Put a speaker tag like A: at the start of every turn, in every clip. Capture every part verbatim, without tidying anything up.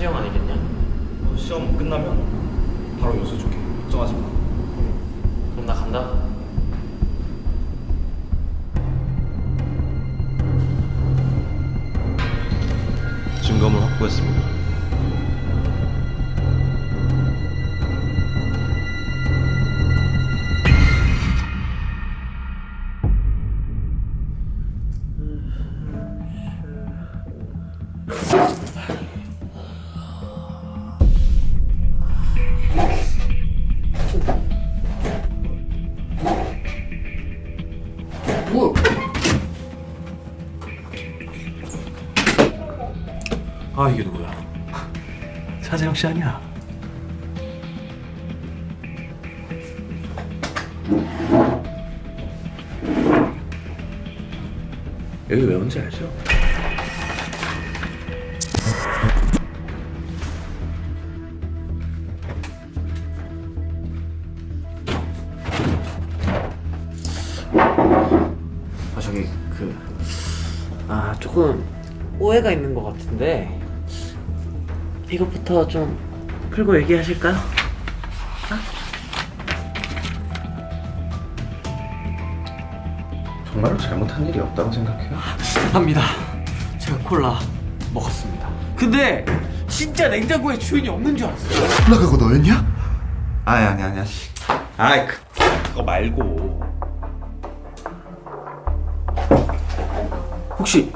A: 필형 아니겠냐?
B: 어, 시험 끝나면 바로 요수 줄게. 걱정하지 마.
A: 그럼 나 간다.
B: 증거물 확보했습니다.
A: 뭐?
B: 아, 이게 누구야? 차재영 씨 아니야? 여기 왜 온지 알죠?
A: 아 저기 그... 아 조금 오해가 있는 것 같은데 이것부터 좀 풀고 얘기하실까요?
B: 정말로 잘못한 일이 없다고 생각해요?
A: 합니다. 제가 콜라 먹었습니다. 근데 진짜 냉장고에 주인이 없는 줄 알았어요.
C: 콜라 그거 너였냐?
B: 아니 아니 아니야. 아이 그, 그거 말고
A: 혹시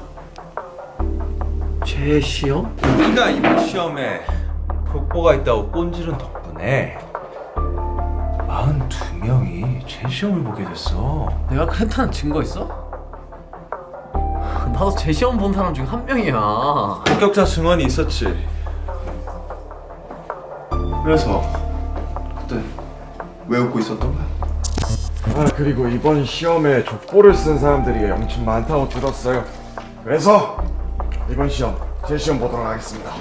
A: 제 시험?
B: 우리가 이번 시험에 족보가 있다고 꼰지른 덕분에 사십이 명이 제 시험을 보게 됐어.
A: 내가 그랬다는 증거 있어? 나도 제 시험 본 사람 중 한 명이야.
B: 합격자 증언이 있었지. 그래서 그때 왜 웃고 있었던 거야?
C: 아 그리고 이번 시험에 족보를 쓴 사람들이 엄청 많다고 들었어요. 그래서 이번 시험 제 시험 보도록 하겠습니다.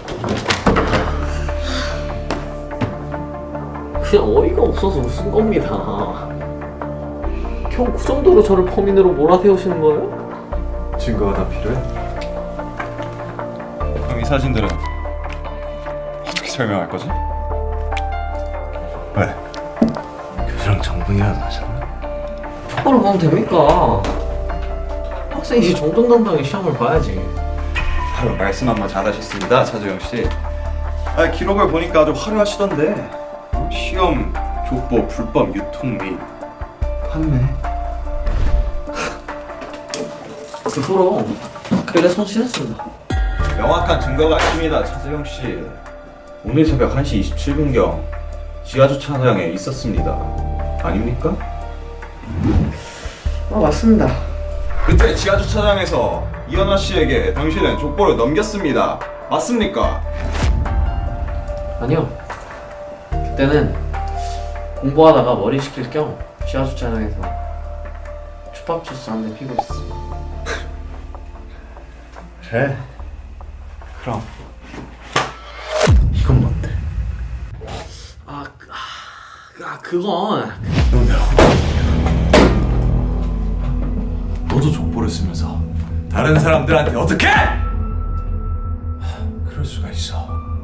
A: 그냥 어이가 없어서 웃은 겁니다. 겨우 그 정도로 저를 범인으로 몰아세우시는 거예요?
B: 증거가 다 필요해? 그럼 이 사진들은 어떻게 설명할 거지? 왜? 교수랑 정분이라도 하셨나?
A: 족보를 보면 됩니까? 학생이 정정당당히 시험을 봐야지.
B: 아유, 말씀 한번 잘하셨습니다, 차재영 씨. 아, 기록을 보니까 아주 화려하시던데. 시험, 족보, 불법 유통 및 판매.
A: 그거로 그래 손실했습니다.
B: 명확한 증거가 있습니다, 차재영 씨. 오늘 새벽 한 시 이십칠 분경 지하 주차장에 있었습니다. 아닙니까?
A: 아 맞습니다.
B: 그때 지하 주차장에서 이현아 씨에게 당신은 족보를 넘겼습니다. 맞습니까?
A: 아니요. 그때는 공부하다가 머리 식힐 겸 지하 주차장에서 초밥 주스 한 대 피고 있었습니다.
B: 그래. 그럼 이건 뭔데?
A: 아, 그- 아, 아 그건
B: 너도 족보를 쓰면서 다른 사람들한테 어떻게? 그럴 수가 있어.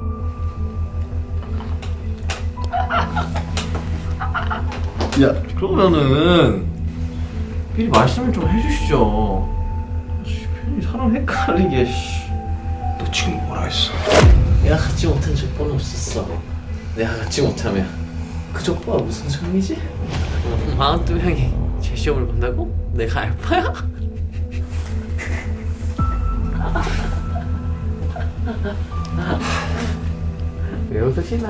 A: 야 그러면은 미리 말씀을 좀 해주시죠. 씨, 괜히 사람 헷갈리게. 씨.
B: 너 지금 뭐라 했어?
A: 내가 갖지 못한 족보는 없었어. 내가 갖지 못하면 그 족보가 무슨 소용이지? 마흔두 명이 제 시험을 본다고? 내가 알바야? 왜 웃으시나?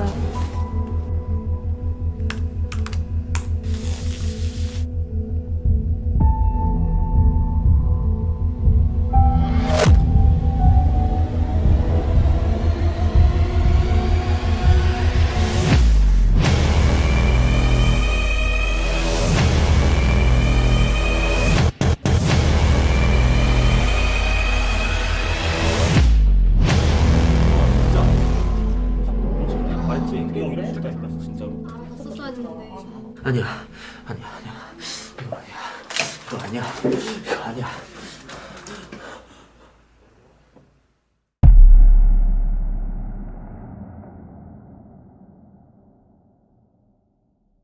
A: 아니야, 아니야, 아니야. 이거 아니야. 이거 아니야. 이거 아니야.